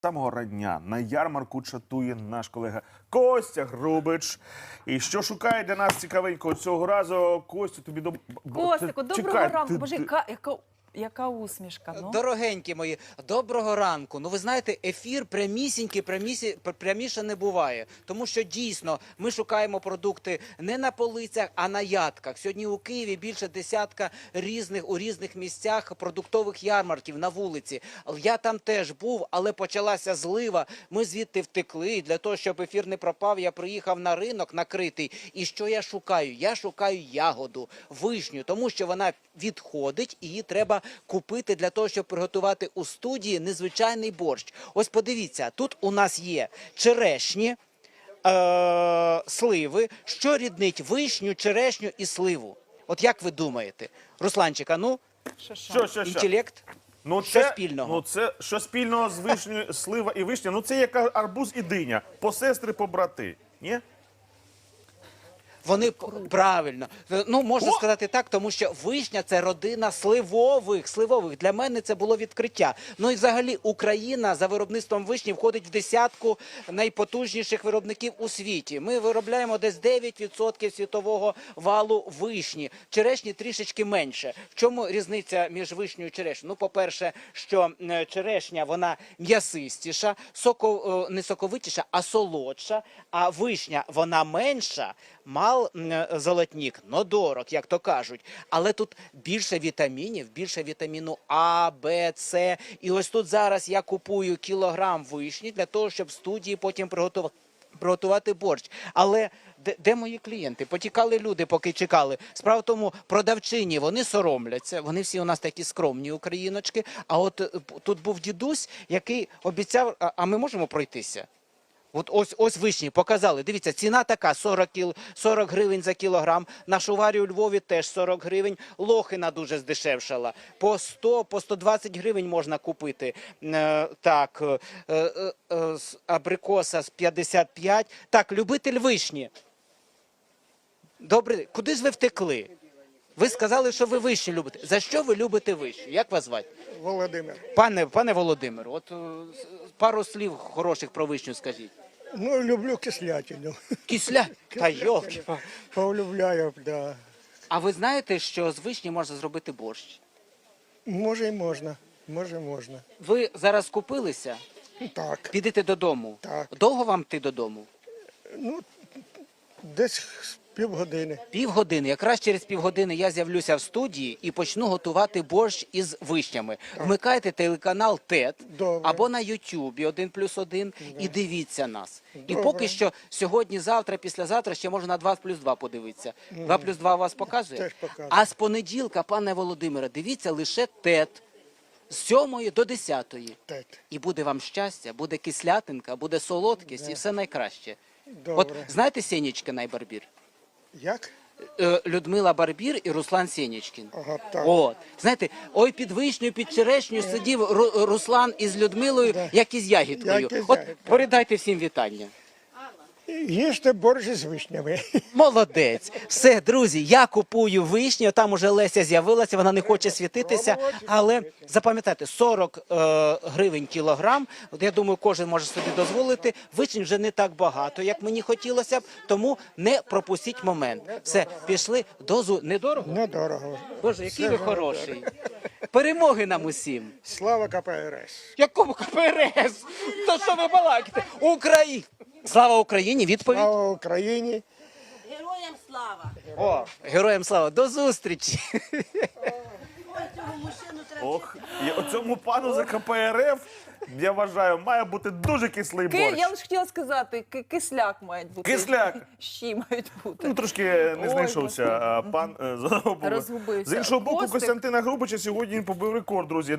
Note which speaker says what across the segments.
Speaker 1: Самого рання на ярмарку чатує наш колега Костя Грубич. І що шукає для нас цікавенького цього разу? Костю, тобі
Speaker 2: Костику, доброго ранку. Боже, яка усмішка. Ну?
Speaker 3: Дорогенькі мої, доброго ранку. Ну ви знаєте, ефір пряміше не буває. Тому що дійсно ми шукаємо продукти не на полицях, а на ядках. Сьогодні у Києві більше десятка у різних місцях продуктових ярмарків на вулиці. Я там теж був, але почалася злива. Ми звідти втекли. І для того, щоб ефір не пропав, я приїхав на ринок накритий. І що я шукаю? Я шукаю ягоду, вишню, тому що вона відходить і її треба купити для того, щоб приготувати у студії незвичайний борщ. Ось подивіться, тут у нас є черешні, сливи. Що ріднить вишню, черешню і сливу? От як ви думаєте? Русланчик, а ну?
Speaker 1: Що?
Speaker 3: Інтелект?
Speaker 1: Ну,
Speaker 3: що спільного?
Speaker 1: Ну, це що спільного з вишнею, слива і вишня? Ну, це як арбуз і диня. Посестри, побрати. Ні?
Speaker 3: Вони правильно. Ну, можна сказати так, тому що вишня – це родина сливових. Для мене це було відкриття. Ну і взагалі Україна за виробництвом вишні входить в десятку найпотужніших виробників у світі. Ми виробляємо десь 9% світового валу вишні. Черешні трішечки менше. В чому різниця між вишнею і черешнею? Ну, по-перше, що черешня, вона м'ясистіша, не соковитіша, а солодша, а вишня, вона менша, золотник, но дорог, як то кажуть. Але тут більше вітамінів, більше вітаміну А, Б, С. І ось тут зараз я купую кілограм вишні для того, щоб в студії потім приготувати борщ. Але де мої клієнти? Потікали люди, поки чекали. Справа в тому, продавчині, вони соромляться. Вони всі у нас такі скромні україночки. А от тут був дідусь, який обіцяв, а ми можемо пройтися? От ось вишні показали. Дивіться, ціна така, 40 гривень за кілограм. На шуварі у Львові теж 40 гривень. Лохина дуже здешевшала. По 100, по 120 гривень можна купити. Так, абрикоса з 55. Так, любитель вишні. Добре, куди ж ви втекли? Ви сказали, що ви вишні любите. За що ви любите вишню? Як вас звати?
Speaker 4: Володимир.
Speaker 3: Пане Володимир, от пару слів хороших про вишню скажіть.
Speaker 4: Ну, люблю кислятину.
Speaker 3: Кисля? Та йолки.
Speaker 4: Полюбляю, да.
Speaker 3: А ви знаєте, що з вишні можна зробити борщ?
Speaker 4: Може і можна. Можна.
Speaker 3: Ви зараз купилися?
Speaker 4: Так.
Speaker 3: Підете додому?
Speaker 4: Так.
Speaker 3: Довго вам йти додому?
Speaker 4: Ну, десь півгодини.
Speaker 3: Півгодини. Якраз через півгодини я з'явлюся в студії і почну готувати борщ із вишнями. Вмикайте телеканал ТЕТ або на Ютубі 1+1 і дивіться нас. І поки що сьогодні, завтра, післязавтра ще можна на 2+2 подивитися. 2+2 вас показує?
Speaker 4: Теж показує.
Speaker 3: А з понеділка, пане Володимире, дивіться лише ТЕТ. З 7 до 10.
Speaker 4: ТЕТ.
Speaker 3: І буде вам щастя, буде кислятинка, буде солодкість і все найкраще.
Speaker 4: Добре.
Speaker 3: От знаєте Сєнічкина і Барбір?
Speaker 4: Як?
Speaker 3: Людмила Барбір і Руслан Сєнічкін.
Speaker 4: Ага, так.
Speaker 3: От. Знаєте, ой, під вишнею, під черешнею сидів Руслан із Людмилою, як із ягідкою.
Speaker 4: Як із
Speaker 3: От
Speaker 4: ягідкою.
Speaker 3: передайте всім вітання.
Speaker 4: Їжте борщ з вишнями.
Speaker 3: Молодець. Все, друзі, я купую вишню, там уже Леся з'явилася, вона не хоче світитися, але запам'ятайте, 40 гривень кілограм, от я думаю, кожен може собі дозволити, вишень вже не так багато, як мені хотілося б, тому не пропустіть момент. Все, пішли, недорого?
Speaker 4: Недорого.
Speaker 3: Боже, який ви хороший. Перемоги нам усім.
Speaker 4: Слава КПРС.
Speaker 3: Якому КПРС? То що ви балакаєте? Слава Україні, відповідь.
Speaker 4: Слава Україні.
Speaker 5: Героям слава!
Speaker 3: О, героям слава, до зустрічі.
Speaker 5: Ой, цього мужчину треба...
Speaker 1: Ох, і оцьому пану за КПРФ, я вважаю, має бути дуже кислий борщ.
Speaker 2: Я лише хотіла сказати, кисляк має бути.
Speaker 1: Кисляк.
Speaker 2: Щі мають бути.
Speaker 1: Ну, трошки не знайшовся пан з одного боку.
Speaker 2: Розгубився.
Speaker 1: З іншого боку,
Speaker 2: Костик.
Speaker 1: Костянтина Грубича сьогодні він побив рекорд, друзі.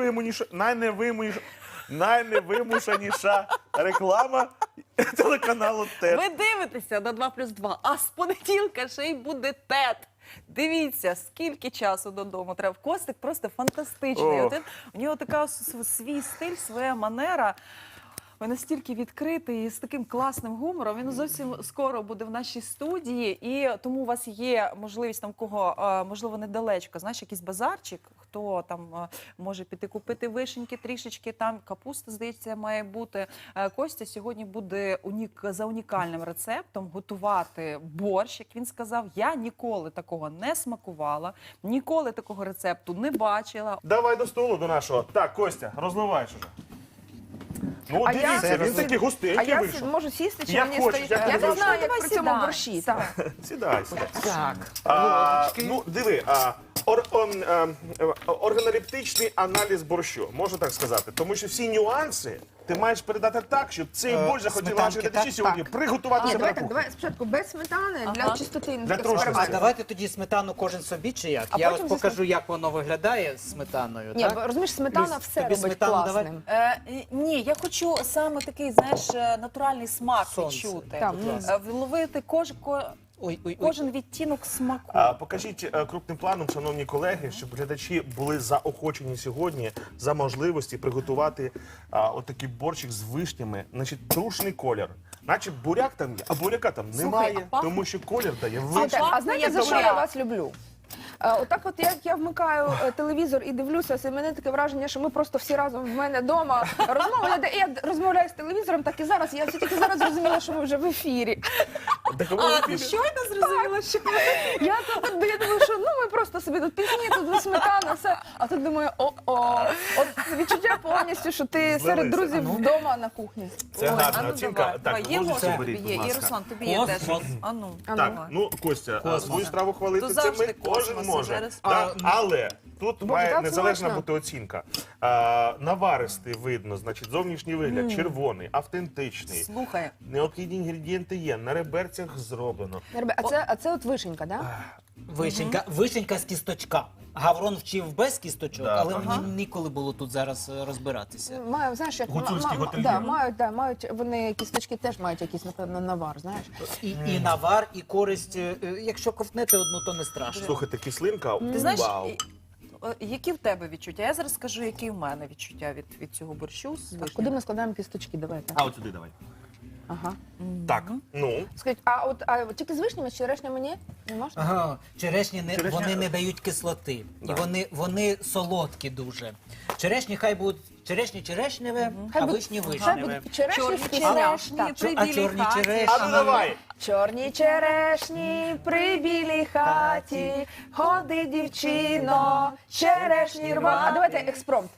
Speaker 1: Найневимушеніша реклама телеканалу ТЕТ.
Speaker 2: Ви дивитеся на 2+2, а з понеділка ще й буде ТЕТ. Дивіться, скільки часу додому треба. Костик просто фантастичний.
Speaker 1: Ох.
Speaker 2: У нього така свій стиль, своя манера. Він настільки відкритий і з таким класним гумором. Він зовсім скоро буде в нашій студії, і тому у вас є можливість там кого, можливо, недалечко, знаєш, якийсь базарчик, хто там може піти купити вишеньки трішечки, там капуста, здається, має бути. Костя сьогодні буде за унікальним рецептом готувати борщ, як він сказав. Я ніколи такого не смакувала, ніколи такого рецепту не бачила.
Speaker 1: Давай до столу до нашого. Так, Костя, розливаєш уже. Ну,
Speaker 6: А
Speaker 1: дивіться,
Speaker 6: я-
Speaker 1: він такий
Speaker 6: А
Speaker 1: густенький
Speaker 6: я
Speaker 1: вийшов.
Speaker 6: можу сісти, чи
Speaker 1: Як
Speaker 6: мені
Speaker 1: хочеш,
Speaker 6: стоїть?
Speaker 1: як
Speaker 6: Я
Speaker 1: тобі
Speaker 6: не знаю,
Speaker 2: зручно.
Speaker 6: як при цьому
Speaker 2: Давай
Speaker 6: борщі. Так.
Speaker 1: Сідай, сідай.
Speaker 3: Так,
Speaker 1: Ну, диви, органолептичний аналіз борщу, можна так сказати. Тому що всі нюанси ти маєш передати так, щоб цей борщ захотіли наші
Speaker 3: сметанки,
Speaker 1: глядачі
Speaker 3: так?
Speaker 1: сьогодні приготувати
Speaker 6: Ні,
Speaker 1: себе
Speaker 6: давай
Speaker 1: на
Speaker 6: так,
Speaker 1: кухні.
Speaker 6: давай спочатку без сметани
Speaker 2: Ага.
Speaker 6: для чистоти
Speaker 1: Для
Speaker 6: експерименту.
Speaker 1: трошності.
Speaker 3: А давайте тоді сметану кожен собі чи як?
Speaker 6: А
Speaker 3: Я
Speaker 6: потім
Speaker 3: ось
Speaker 6: зі
Speaker 3: покажу, як воно виглядає з сметаною.
Speaker 6: Ні,
Speaker 3: так?
Speaker 6: бо, розумієш, сметана
Speaker 3: Люсь,
Speaker 6: все
Speaker 3: тобі
Speaker 6: робить
Speaker 3: сметану давай?
Speaker 6: класним.
Speaker 2: Ні, я хочу саме такий, знаєш, натуральний смак
Speaker 3: Сонце.
Speaker 2: відчути.
Speaker 6: Так.
Speaker 2: Вловити
Speaker 3: Ой.
Speaker 2: кожен відтінок смаку.
Speaker 1: Покажіть крупним планом, шановні колеги, щоб глядачі були заохочені сьогодні за можливості приготувати отакий борщик з вишнями. Значить, трушний колір. Наче буряк там є, а буряка там немає,
Speaker 2: а пахне?
Speaker 1: тому що колір дає
Speaker 6: Слухайте,
Speaker 1: вишня.
Speaker 6: а знаєте, за що я вас люблю? Отак от як я вмикаю телевізор і дивлюся, це мене таке враження, що ми просто всі разом в мене вдома розмовляємо. Я розмовляю з телевізором, так і зараз. Я все тільки зараз зрозуміла, що ми вже в ефірі.
Speaker 1: Так, ви
Speaker 2: А, ти щойно зрозуміла, що
Speaker 6: Я думаю, що ну ми просто собі тут пісні, тут сметана, все. А тут думаю, от відчуття повністю, що ти
Speaker 1: Злилися.
Speaker 6: серед друзів вдома на кухні.
Speaker 1: Це
Speaker 2: Ой,
Speaker 1: гарна
Speaker 2: а ну
Speaker 1: оцінка.
Speaker 2: давай, давай,
Speaker 1: Так,
Speaker 2: є
Speaker 1: ложечку
Speaker 2: ложка
Speaker 1: беріть,
Speaker 2: тобі є,
Speaker 1: будь
Speaker 2: і
Speaker 1: ласка.
Speaker 2: Руслан, тобі є
Speaker 3: Космос.
Speaker 2: теж. А ну,
Speaker 1: Так,
Speaker 2: давай.
Speaker 1: ну Костя,
Speaker 3: Космос.
Speaker 1: свою страву хвалити
Speaker 2: То
Speaker 1: це
Speaker 2: завжди
Speaker 1: ми кожен
Speaker 2: космос,
Speaker 1: може.
Speaker 2: зараз.
Speaker 1: Так, але тут має
Speaker 6: так
Speaker 1: незалежна
Speaker 6: смачно.
Speaker 1: бути оцінка. Наваристий видно, значить, зовнішній вигляд, червоний, автентичний.
Speaker 2: Слухай,
Speaker 1: Необхідні інгредієнти є, на реберцях зроблено.
Speaker 6: А це от вишенька, так? Да?
Speaker 3: Вишенька з кісточка. Гаврон вчив без кісточок,
Speaker 1: Да.
Speaker 3: але мені ніколи було тут зараз розбиратися.
Speaker 6: Маю, знаєш, як
Speaker 1: Гуцульський готельєр.
Speaker 6: мають вони кісточки теж мають якийсь, напевно, навар, знаєш.
Speaker 3: І навар, і користь. Якщо ковтнете одну, то не страшно.
Speaker 1: Слухайте, кислинка,
Speaker 2: ти знаєш,
Speaker 1: вау.
Speaker 2: які в тебе відчуття? Я зараз скажу, які в мене відчуття від цього борщу з
Speaker 6: Так,
Speaker 2: вишнями.
Speaker 6: куди ми складаємо кісточки? Давайте.
Speaker 1: А от сюди давай.
Speaker 6: Ага.
Speaker 1: Так, ну.
Speaker 6: Скажіть, а тільки з вишнями, з черешнями ні? Не можна?
Speaker 3: Ага, черешні
Speaker 1: Черешня-
Speaker 3: вони не дають кислоти.
Speaker 1: Да.
Speaker 3: І вони солодкі дуже. Черешні хай будуть черешневе,
Speaker 6: Хай
Speaker 3: а
Speaker 6: будуть-
Speaker 3: вишні
Speaker 6: Хай
Speaker 3: вишневе.
Speaker 6: будуть черешні
Speaker 2: Чорні
Speaker 6: з
Speaker 2: черешні
Speaker 6: Так.
Speaker 2: при
Speaker 3: А
Speaker 2: білій
Speaker 3: чорні
Speaker 2: хаті.
Speaker 3: черешні?
Speaker 1: А ну давай.
Speaker 6: Чорні черешні при білій хаті, ходи, дівчино, черешні рва. А давайте експромт.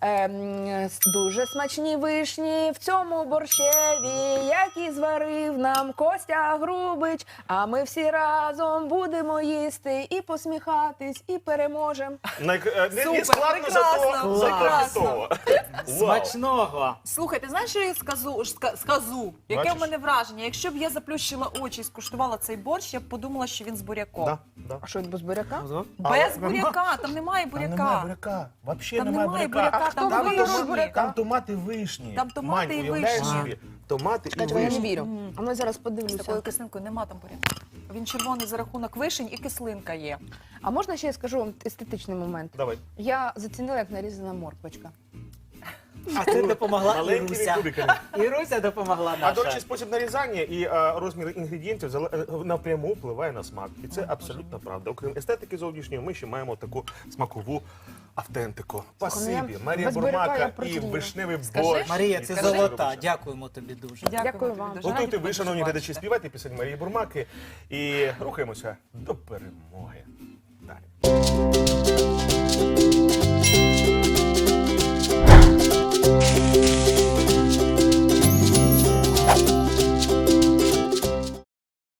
Speaker 6: Дуже смачні вишні в цьому борщеві, які зварив нам Костя Грубич. А ми всі разом будемо їсти і посміхатись, і переможемо.
Speaker 1: Не
Speaker 2: Супер,
Speaker 1: складно,
Speaker 2: прекрасно,
Speaker 1: зато
Speaker 2: прекрасно.
Speaker 1: готово. Вау.
Speaker 3: Смачного!
Speaker 2: Слухай, ти знаєш, що я скажу? Яке
Speaker 1: Бачиш?
Speaker 2: в мене враження? Якщо б я заплющила очі і скуштувала цей борщ, я б подумала, що він з буряком.
Speaker 1: Да, да.
Speaker 6: А що, без буряка?
Speaker 2: Без буряка, там немає
Speaker 1: Там немає
Speaker 2: буряка.
Speaker 1: буряка. Взагалі
Speaker 2: Там
Speaker 1: немає
Speaker 2: немає
Speaker 1: буряка.
Speaker 2: буряка,
Speaker 6: хто
Speaker 2: там
Speaker 6: вигадав
Speaker 2: вишні.
Speaker 6: буряка?
Speaker 1: Там томати вишні.
Speaker 2: Там томати
Speaker 1: Мань,
Speaker 2: і
Speaker 1: уявляєш
Speaker 2: вишні.
Speaker 1: собі? Томати і
Speaker 6: Чекайте, я не
Speaker 1: вишні.
Speaker 6: вірю. А ми зараз
Speaker 2: З такою
Speaker 6: подивлюся.
Speaker 2: кислинкою нема там буряка. Він червоний за рахунок вишень і кислинка є.
Speaker 6: А можна ще я скажу вам естетичний момент?
Speaker 1: Давай.
Speaker 6: Я зацінила, як нарізана морквочка.
Speaker 3: А це допомогла
Speaker 1: Маленькими
Speaker 3: Іруся.
Speaker 1: кубиками.
Speaker 3: Іруся допомогла
Speaker 1: А до речі,
Speaker 3: наша.
Speaker 1: спосіб нарізання і розмір інгредієнтів напряму впливає на смак. І це абсолютно правда. Окрім естетики зовнішньої, ми ще маємо таку смакову автентику. Спасибі, Марія
Speaker 6: без буряка я
Speaker 1: Бурмака і
Speaker 6: противіла.
Speaker 1: вишневий
Speaker 2: Скажи.
Speaker 1: борщ.
Speaker 3: Марія, це
Speaker 1: Скажи.
Speaker 3: золота. Дякуємо тобі дуже.
Speaker 6: Дякую вам.
Speaker 2: тобі дуже.
Speaker 1: Готуйте
Speaker 2: Раді
Speaker 1: ви, шановні
Speaker 2: побачити.
Speaker 1: глядачі, співайте пісень Марії Бурмаки і рухаємося до перемоги. Далі.